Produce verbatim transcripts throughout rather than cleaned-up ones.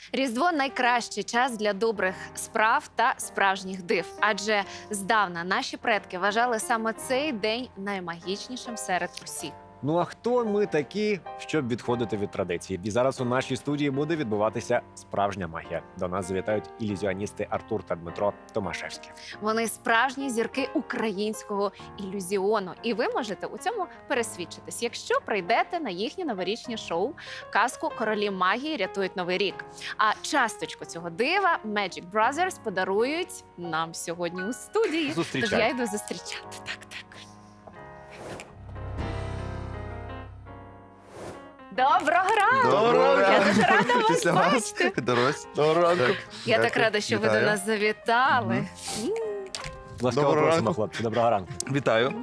Різдво – найкращий час для добрих справ та справжніх див. Адже здавна наші предки вважали саме цей день наймагічнішим серед усіх. Ну а хто ми такі, щоб відходити від традиції? І зараз у нашій студії буде відбуватися справжня магія. До нас завітають ілюзіоністи Артур та Дмитро Томашевські. Вони справжні зірки українського ілюзіону. І ви можете у цьому пересвідчитись, якщо прийдете на їхнє новорічне шоу казку «Королі магії рятують новий рік». А часточку цього дива Magic Brothers подарують нам сьогодні у студії. Зустрічай. Тож я йду зустрічати. Так, так. Доброго ранку! Доброго Я ранку. дуже рада вас Після вас. бачити. Дорось. Доброго ранку. Так. Я так Дякую. рада, що ви до Вітаю. нас завітали. Мгм. М. Ласкаво Доброго просимо, ранку. хлопці. Доброго ранку. Вітаю.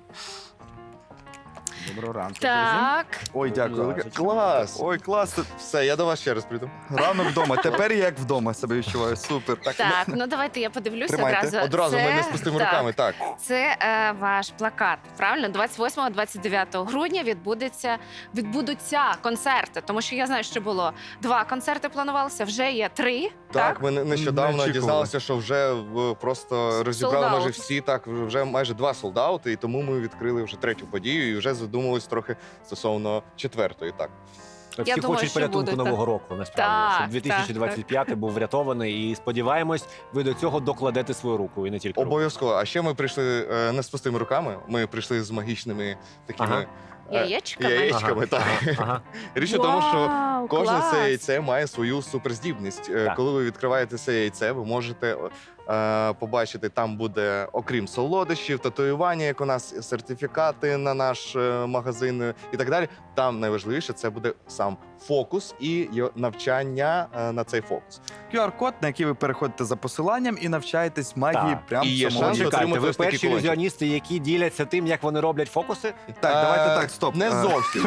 Доброго ранку. Так. Ой, дякую. Ласочка. Клас. Ой, клас. Все, я до вас ще раз прийду. Ранок вдома. Тепер я як вдома себе відчуваю. Супер. Так, ну давайте я подивлюся Тримайте. одразу. Одразу Це- ми не з пустими так, руками. Так. Це е, ваш плакат. Правильно, двадцять восьмого - двадцять дев'ятого грудня відбудеться відбудуться концерти. Тому що я знаю, що було два концерти планувалося, вже є три. Так, ми не- нещодавно очікували. дізналися, що вже в- просто розібрали Sold майже out. всі, так, вже майже два солдаути, і тому ми відкрили вже третю подію і вже задумались трохи стосовно четвертої. Так. Всі думаю, хочуть що порятунку буде, нового року, насправді. Так, щоб дві тисячі двадцять п'ятий був врятований. І сподіваємось, ви до цього докладете свою руку, і не тільки руку. Обов'язково. А ще ми прийшли е, не з пустими руками, ми прийшли з магічними такими Ага. е, Яєчками. яєчками. Так. Ага, ага. Річ у тому, що Вау, кожне клас! це яйце має свою суперздібність. Е, Так. Коли ви відкриваєте це яйце, ви можете е, побачити, там буде, окрім солодощів, татуювання, як у нас, сертифікати на наш е, магазин е, і так далі. Там найважливіше це буде сам фокус і його навчання е, на цей фокус. ку ар-код, на який ви переходите за посиланням і навчаєтесь магії Так. прямо І є в самому шанс відео. Чекайте, отримати ви ось такий перші кулончик. ілюзіоністи, які діляться тим, як вони роблять фокуси? Так, давайте Е, так, стоп. Не Е, зовсім.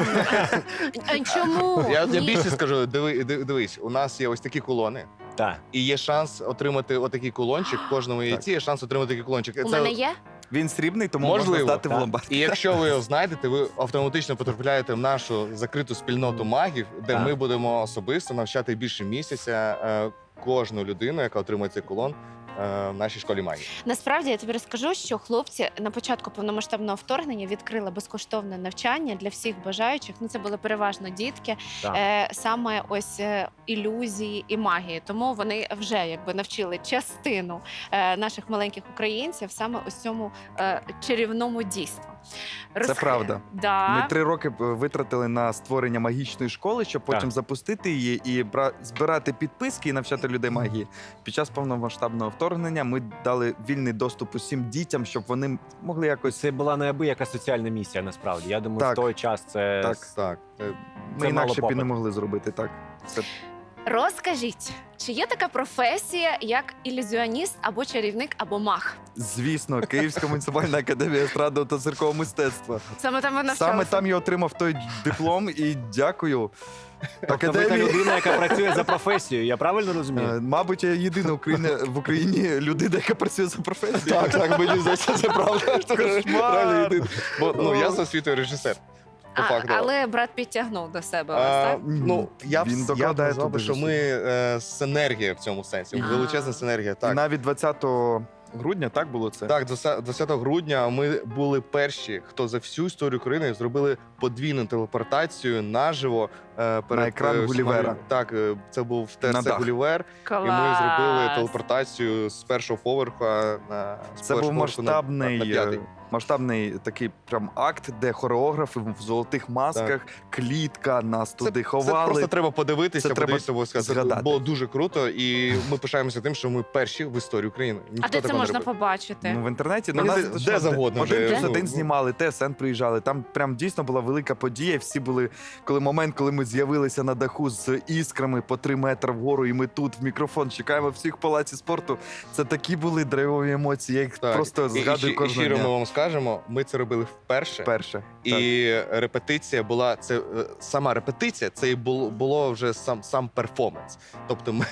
А чому? Я, я Ні. більше скажу, диви, диви- дивись, у нас є ось такі кулони. Так. І є шанс отримати отакий кулончик. В кожному яйці є шанс отримати такий кулончик. У мене є? Він срібний, тому Можливо, можна здати в так. ломбард. І якщо ви його знайдете, ви автоматично потрапляєте в нашу закриту спільноту магів, де Так. ми будемо особисто навчати більше місяця е, кожну людину, яка отримує цей кулон е, в нашій школі магії. Насправді я тобі розкажу, що хлопці на початку повномасштабного вторгнення відкрили безкоштовне навчання для всіх бажаючих. Ну це були переважно дітки, Так. е, саме ось е, ілюзії і магії. Тому вони вже якби навчили частину е, наших маленьких українців саме ось цьому е, чарівному дійству. Це правда. Да. Ми три роки б витратили на створення магічної школи, щоб потім Так. запустити її і бра... збирати підписки і навчати людей магії. Під час повномасштабного вторгнення ми дали вільний доступ усім дітям, щоб вони могли якось. Це була неабияка соціальна місія, насправді. Я думаю, Так. в той час це... Так. Так. Е, Ми це мало інакше б і не попиту. могли зробити так. Це Розкажіть, чи є така професія, як ілюзіоніст або чарівник, або маг? звісно, Київська муніципальна академія естрадного та циркового мистецтва. Саме там ви навчалися? Саме там я отримав той диплом і дякую. Тобто ви та людина, яка працює за професією, я правильно розумію? Е, Мабуть, я єдина Україна, в Україні людина, яка працює за професією. Так, так, мені здається, це правда. Кошмар. Реально єдиний. Бо ну, я за освітою режисер. По А, факту. але брат підтягнув до себе вас, А, так? ну, я б Він я б докладає назвав би, туди що зусиль. ми е, синергія в цьому сенсі. А. Величезна синергія. І Так. навіть двадцятого грудня так було це? Так, двадцятого грудня ми були перші, хто за всю історію України зробили подвійну телепортацію наживо е, перед екран е, всіма Гулівера. людьми. Так, е, це був На ТРЦ дах. Гулівер, Клас. і ми зробили телепортацію з першого поверха на з Це першого був поверху на- масштабний, на п'ятий. е, масштабний такий прям акт, де хореографи в золотих масках, клітка, нас Це, туди це ховали. просто треба подивитися, Це треба подивитися обов'язково. Це згадати. було дуже круто, і ми пишаємося тим, що ми перші в історії України. Ніхто А де це такого не можна робив. побачити? Ну, в інтернеті Ну, ну, де- нас де точно завгодно, Один де, плюс ну, один ну. знімали, ТСН приїжджали. Там прям дійсно була велика подія. і Всі були, коли момент, коли ми з'явилися на даху з іскрами по три метри вгору, і ми тут в мікрофон чекаємо всіх в палаці спорту. Це такі були драйвові емоції. Я їх Так. просто І- і, згадую щи- і кожного щиро ми дня. вам скажемо, ми це робили вперше. Перше. І репетиція була це е, сама репетиція, це і було, було вже сам сам перформанс. Тобто, ми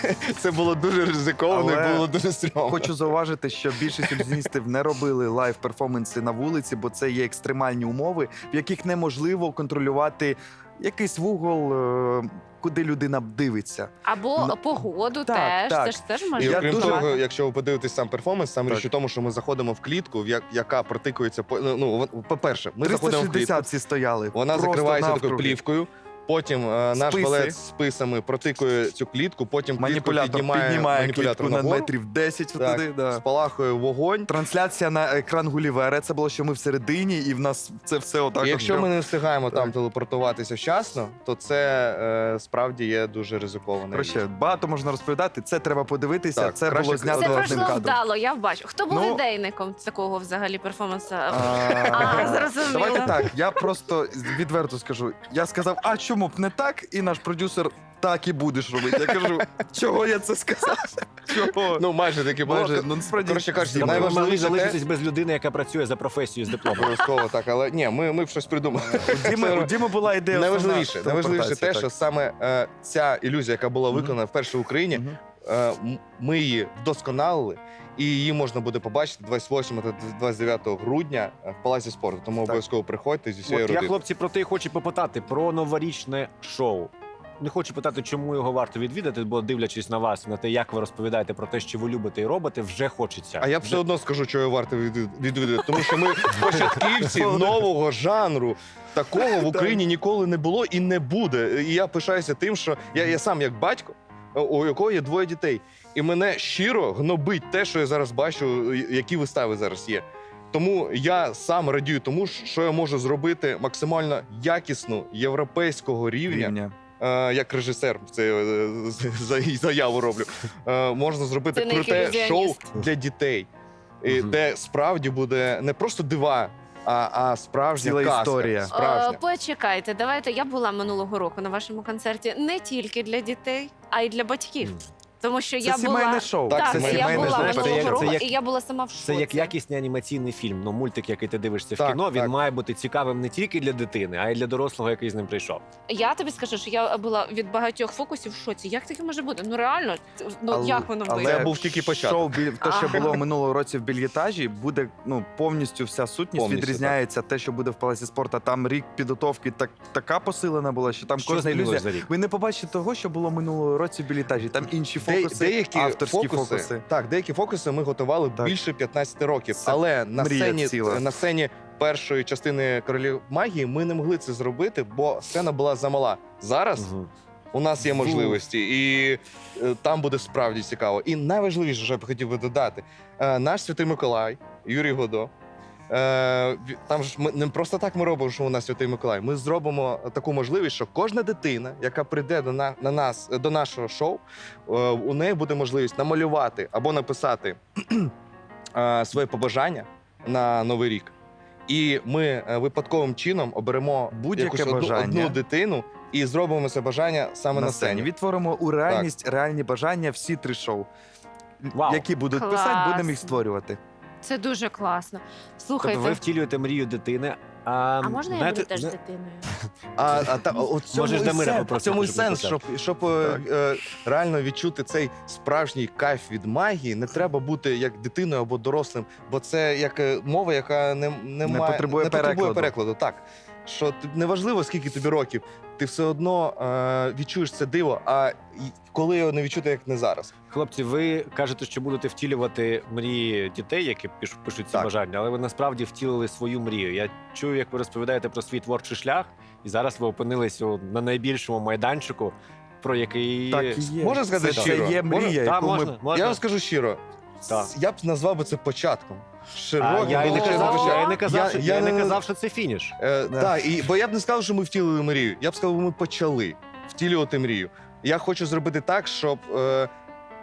це було дуже ризиковано, Але і було дуже стрьомно. Хочу зауважити, що більшість ілюзіоністів не робили лайв-перформанси на вулиці, бо це є екстремальні умови, в яких неможливо контролювати якийсь вугол, е, куди людина дивиться. Або Ну, погоду так, теж. так. Це ж теж І може Я окрім дуже- того, якщо ви подивитесь сам перформанс, сам Так. річ у тому, що ми заходимо в клітку, в я- яка протикується по ну, ну, вон- по-перше, ми заходимо в клітку. триста шістдесят всі стояли. Вона просто закривається такою навкруги. плівкою. Потім е, наш Списи. балет з списами протикує цю клітку, потім клітку Маніпулятор піднімає, піднімає маніпулятор клітку на нагору, метрів десять Так. туди. Да. спалахує вогонь. Трансляція на екран Гулівера. Це було, що ми всередині, і в нас це все отак. І от якщо прям. ми не встигаємо там Так. телепортуватися вчасно, то це е, справді є дуже ризиковано. Коротше, багато можна розповідати. Це треба подивитися. Так, це краще було це знято Це одним пройшло кадром. вдало, я бачу. Хто був Ну, ідейником такого взагалі перформансу? А, А, зрозуміло. Давайте так. Я просто відверто скажу. Я сказав, а чому б не так? І наш продюсер так і будеш робити. Я кажу, чого я це сказав? Чого? Ну, майже таки було. Майже, ну насправді. Коротше кажучи, Тобто ви могли найважливіше те- залишитись без людини, яка працює за професією з дипломом. Обов'язково так, але ні, ми, ми б щось придумали. У Діми, у Діми була ідея. Найважливіше, основна найважливіше те, телепортація, що саме е, ця ілюзія, яка була Мгм. виконана вперше в Україні, так. Мгм. е, м- ми її вдосконалили, і її можна буде побачити двадцять восьмого та двадцять дев'ятого грудня в Палаці спорту. Тому Так. обов'язково приходьте зі всією От я, родиною. хлопці, про те й хочу попитати про новорічне шоу. Не хочу питати, чому його варто відвідати, бо дивлячись на вас, на те, як ви розповідаєте про те, що ви любите і робите, вже хочеться. А я б все одно скажу, що його варто від- відвідати, тому що ми початківці нового жанру. Такого в Україні ніколи не було і не буде. І я пишаюся тим, що я, я сам як батько, у якого є двоє дітей. І мене щиро гнобить те, що я зараз бачу, які вистави зараз є. Тому я сам радію тому, що я можу зробити максимально якісну європейського рівня. Рівня. Е, як режисер це е, з- за- заяву роблю. Е, можна зробити Це не як круте ілюзіоніст. шоу для дітей, і Мгм. де справді буде не просто дива, а, а справжня Ціла казка. історія. Справжня. Е, Почекайте, давайте. Я була минулого року на вашому концерті не тільки для дітей, а й для батьків. Тому що Це я сімейне була шоу. Так, так, це я сімейне була шоу. Це минулого як- року, це як- і я була сама в шоці. Це як якісний анімаційний фільм. Ну, мультик, який ти дивишся в Так, кіно, він так. має бути цікавим не тільки для дитини, а й для дорослого, який з ним прийшов. Я тобі скажу, що я була від багатьох фокусів в шоці. Як таке може бути? Ну реально, ну Але- як воно але вийде? Це був тільки початок. Шоу, біль- те, що Ага. було минулого році в більєтажі, буде ну повністю вся сутність Повністю, відрізняється. Те, що буде в Палаці спорту, там рік підготовки так така посилена була, що там Що кожна змінилось ілюзія. за рік? Ви не побачите того, що було минулого році в білітажі. Там інші Де- фокуси, деякі авторські фокуси, фокуси. Так, деякі фокуси ми готували Так. більше п'ятнадцяти років. Це Але на мрія сцені, ціла. на сцені першої частини королів магії ми не могли це зробити, бо сцена була замала. Зараз Мгм. у нас є можливості, і е, там буде справді цікаво. І найважливіше, що я б хотів би додати, е, наш святий Миколай, Юрій Годо. Е, ві- там ж ми не просто так ми робимо, що у нас святий Миколай. Ми зробимо таку можливість, що кожна дитина, яка прийде до на, на нас до нашого шоу, е, у неї буде можливість намалювати або написати е, своє побажання на новий рік. І ми е, випадковим чином оберемо Будь-яке якусь одну, бажання. одну дитину і зробимо це бажання саме на, сцені. Відтворимо у реальність реальні бажання всі три шоу. Вау. Які будуть Клас. писати, будемо їх створювати. Це дуже класно. Слухайте, Тобто ви втілюєте мрію дитини. А, а можна я знаєте, буду теж зна- дитиною? А, а та, от цьому Можеш і Дамира сенс, попросити, цьому і щоб сенс, щоб, написав. щоб е, е, реально відчути цей справжній кайф від магії, не треба бути як дитиною або дорослим, бо це як е, мова, яка не, не, Не має, потребує не потребує перекладу. перекладу. Так. Що ти- неважливо, скільки тобі років, ти все одно е, відчуєш це диво, а й- коли його не відчути, як не зараз. Хлопці, ви кажете, що будете втілювати мрії дітей, які пиш- пишуть ці Так. бажання, але ви насправді втілили свою мрію. Я чую, як ви розповідаєте про свій творчий шлях, і зараз ви опинились у- на найбільшому майданчику, про який Так і є. Можна сказати це, щиро? це є Можна? мрія, Та, яку можна, ми можна. Я вам скажу щиро, Так. с- я б назвав би це початком. А Широким, я і не величезним казав, початку. я і не казав, Я- що, я я не не- казав, що це фініш. Е, Да. Так, і бо я б не сказав, що ми втілили мрію. Я б сказав, ми почали втілювати мрію. Я хочу зробити так, щоб е,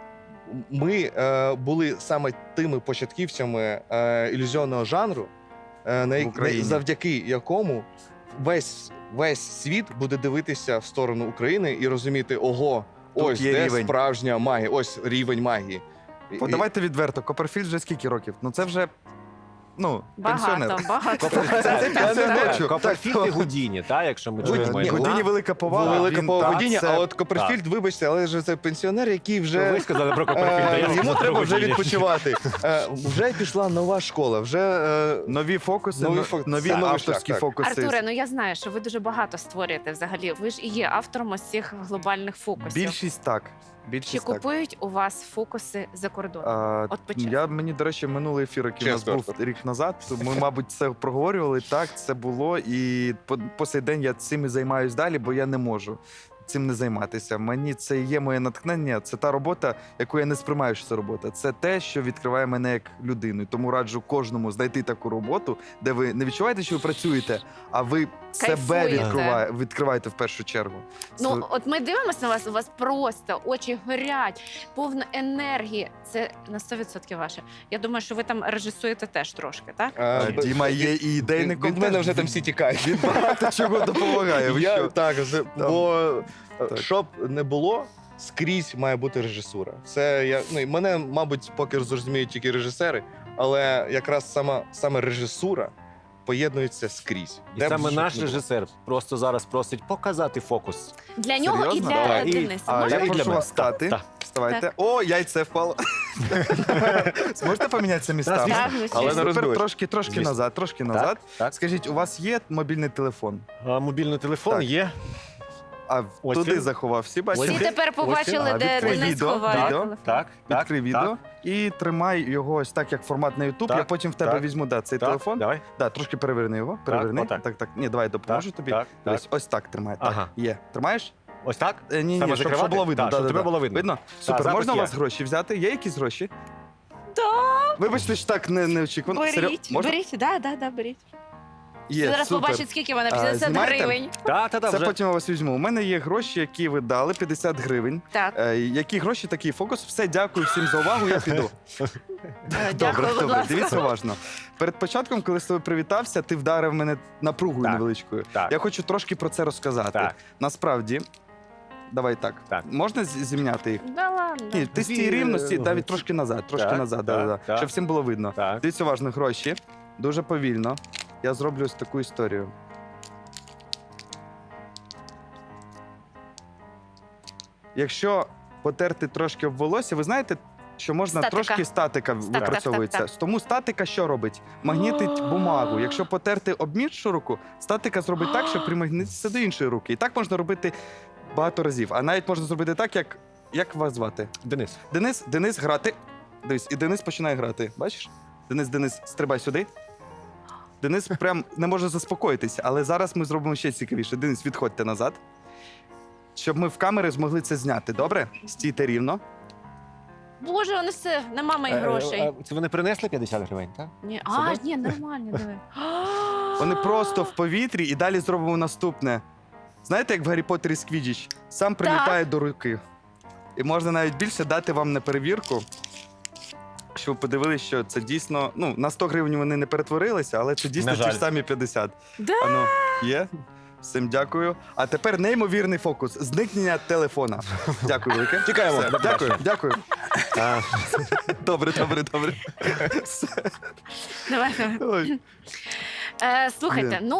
ми е, були саме тими початківцями е, ілюзіонного жанру, е, на, як- Україні. завдяки якому весь, весь світ буде дивитися в сторону України і розуміти, ого, Тут ось є де рівень. справжня магія, ось рівень магії. І- О, давайте відверто. Копперфільд вже скільки років? Ну це вже Ну, Багато, пенсіонер. багато. Це- це пенсіонер. Е, Копперфільд і Гудіні, та, якщо ми Гудіні, чуємо. ні, Гудіні велика повага. Велика він- повага так, Гудіні, це- а от Копперфільд, вибачте, але ж це пенсіонер, який вже Ви сказали про Копперфільда, Е, я Йому сказав треба про вже Гудіні. відпочивати. Е, Вже пішла нова школа, вже е, Нові фокуси, Нові нові, фокуси. нові Це новий авторські шлях, так. фокуси. Артуре, ну я знаю, що ви дуже багато створюєте взагалі. Ви ж і є автором ось цих глобальних фокусів. Більшість так. Чи Більшість так. купують у вас фокуси за кордоном? А, От почесно. я мені, до речі, минулий ефір, який у нас Чесно, був Артур. рік назад. Ми, мабуть, це проговорювали. Так, це було. І по, по сей день я цим і займаюсь далі, бо я не можу цим не займатися. Мені це і є моє натхнення. Це та робота, яку я не сприймаю, що це робота. Це те, що відкриває мене як людину. І тому раджу кожному знайти таку роботу, де ви не відчуваєте, що ви працюєте, а ви себе Кайфуєте. відкриває, відкриваєте в першу чергу. Ну, Це- от ми дивимося на вас, у вас просто очі горять, повна енергії. Це на сто відсотків ваше. Я думаю, що ви там режисуєте теж трошки, так? е, А, Діма є і ідейник. від мене вже там всі тікають. Він багато чого допомагає. Ви Я, що? так, з- бо е, Так. щоб не було, скрізь має бути режисура. Це я ну і мене, мабуть, поки зрозуміють тільки режисери, але якраз сама саме режисура поєднується скрізь. І Де б саме щоб наш не було. режисер просто зараз просить показати фокус. Для нього і Серйозно? для Так. І- Дениса. А Можна? я і для прошу мене. вас встати. Так. Вставайте. Так. О, яйце впало. Зможете помінятися містами? звісно. Так, звичайно. Але не Супер, розбились. трошки, трошки Звісно. назад, трошки назад. Так. Скажіть, у вас є мобільний телефон? А, мобільний телефон Так. є. А Ось туди він. заховав. Всі Всі бачите? Ось тепер Ось побачили, він. де А, відкрий Денис відео, ховає відео. телефон. Так, так. Відкрий відео і тримай його ось так, як формат на YouTube. Так, Я потім в тебе так, візьму да, цей Так, телефон. Давай. Да, трошки переверни його. Переверни. отак. Так, так. Ні, давай допоможу тобі. Так, так. Дивись, ось так тримай. Так, Ага. є. Тримаєш? Ось так? Е, Ні, Саме ні, щоб, щоб закривати? було видно. Так, Да, щоб да, тебе да. було видно. Видно? Супер. запис Можна у є. вас гроші взяти? Є якісь гроші? Так, Вибачте, що так не, неочікувано. Серйозно? беріть, Можна? беріть, да, да, да, беріть. Є, Зараз супер. побачить, скільки вона А, п'ятдесят знімаєте? гривень. Так, так, так. Це вже. потім я вас візьму. У мене є гроші, які ви дали, п'ятдесят гривень. Так, Е, які гроші, такий фокус. Все, дякую всім за увагу, я піду. е, Добре, дякую, будь добре, ласка. дивіться уважно. Перед початком, коли з тобою привітався, ти вдарив мене напругою Так. невеличкою. Так. Я хочу трошки про це розказати. Так. Насправді, давай так. Так. Можна з- зімняти їх? Да ладно. Ні, ти з Дві, тієї е, рівності, ну, навіть трошки назад, трошки так, назад, так, да, да, так. щоб всім було видно. Так. Дивіться уважно, гроші. Дуже повільно. Я зроблю ось таку історію. Якщо потерти трошки об волосся, ви знаєте, що можна Статика. трошки статика так, випрацьовується. так, так. Тому статика що робить? Магнітить бумагу. Якщо потерти об іншу руку, статика зробить так, що примагнититься до іншої руки. І так можна робити багато разів. А навіть можна зробити так, як, як вас звати? Денис. Денис, Денис грати. Дивись, і Денис починає грати. Бачиш? Денис, Денис, стрибай сюди. Денис прям не може заспокоїтися, але зараз ми зробимо ще цікавіше. Денис, відходьте назад. Щоб ми в камери змогли це зняти. Добре? Стійте рівно. Боже, вони все, нема моїх Е, грошей. е, Це вони принесли п'ятдесят гривень, так? Ні, це а, досить? ні, нормально, диви. Вони просто в повітрі і далі зробимо наступне. Знаєте, як в Гаррі Поттері Сквідіч? Сам прилітає до руки. І можна навіть більше дати вам на перевірку, щоб ви подивилися, що це дійсно. Ну, на сто гривень вони не перетворилися, але це дійсно На ті жаль. ж самі п'ятдесят. Да? Ану, є? Всім дякую. А тепер неймовірний фокус. Зникнення телефона. Дякую, велике. Тікаємо. Все, дякую, дякую. А, Добре, добре, добре. Все. Давай, давай. Ой. Е, слухайте, Блін. ну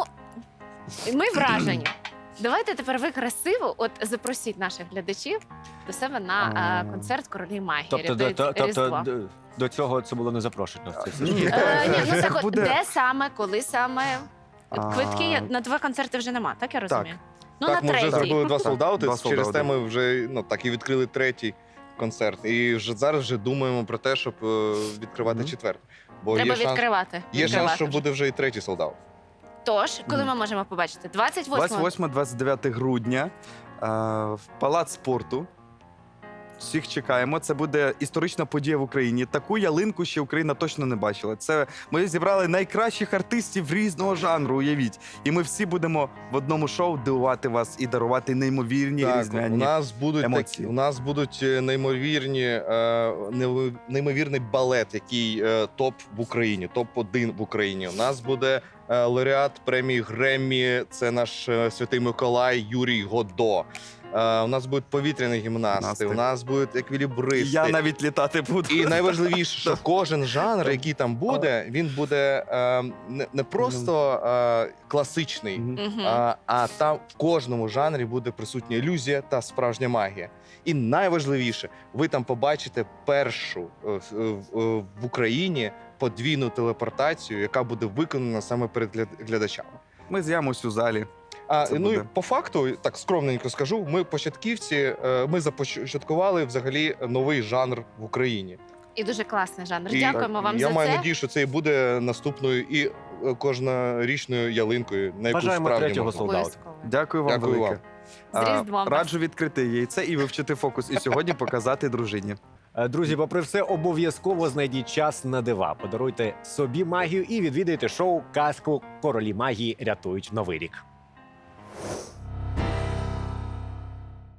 ми вражені. Давайте тепер ви красиво, от запросіть наших глядачів до себе на А. е, концерт Королі Магії. Тобто, до, рятують то- тобто Різдво. до, до цього це було не запрошено. Це все. Ні. Е, ні, ну так от, Буде- де саме, коли саме? А. Квитки є- на два концерти вже нема, так я розумію? Ну, так, на ми вже третій. зробили два солдати. Два Через солдати. те ми вже ну так і відкрили третій концерт. І вже зараз вже думаємо про те, щоб е, відкривати Мгм. четвертий. Бо Треба є шанс, відкривати. є шанс, відкривати що вже. буде вже і третій солдат. Тож, коли Мгм. ми можемо побачити? двадцять восьмого. двадцять восьме двадцять дев'яте грудня е, в Палац спорту. Всіх чекаємо. Це буде історична подія в Україні. Таку ялинку ще Україна точно не бачила. Це ми зібрали найкращих артистів різного жанру. Уявіть, і ми всі будемо в одному шоу дивувати вас і дарувати неймовірні Так, у різдвяні. нас будуть емоції. такі, у нас будуть е, неймовірні, е, неви- неймовірний балет, який е, топ в Україні, топ один в Україні. У нас буде е, лауреат премії Греммі. Це наш е, святий Миколай Юрій Годо. Е, у нас будуть повітряні гімнасти, Гімнасти. у нас будуть еквілібристи. Я навіть літати буду. І найважливіше, що кожен жанр, який там буде, він буде е, не, не просто е, класичний, Мгм. Мгм. а, а там в кожному жанрі буде присутня ілюзія та справжня магія. І найважливіше, ви там побачите першу е, в, в- в Україні подвійну телепортацію, яка буде виконана саме перед гляд- глядачами. Ми з'явимось у залі. А, Це ну і буде. по факту, так скромненько скажу, ми початківці, е, ми започаткували взагалі новий жанр в Україні. І дуже класний жанр. І Дякуємо вам я за маю це. надію, що це і буде наступною і е, кожнорічною ялинкою, на яку Бажаємо справді третього можна. солдата. Обов'язково. Дякую вам Дякую велике. вам. З Різдвом вас. Раджу відкрити яйце і вивчити фокус. І сьогодні показати дружині. Е, Друзі, попри все, обов'язково знайдіть час на дива. Подаруйте собі магію і відвідайте шоу «Казку. Королі магії рятують новий рік».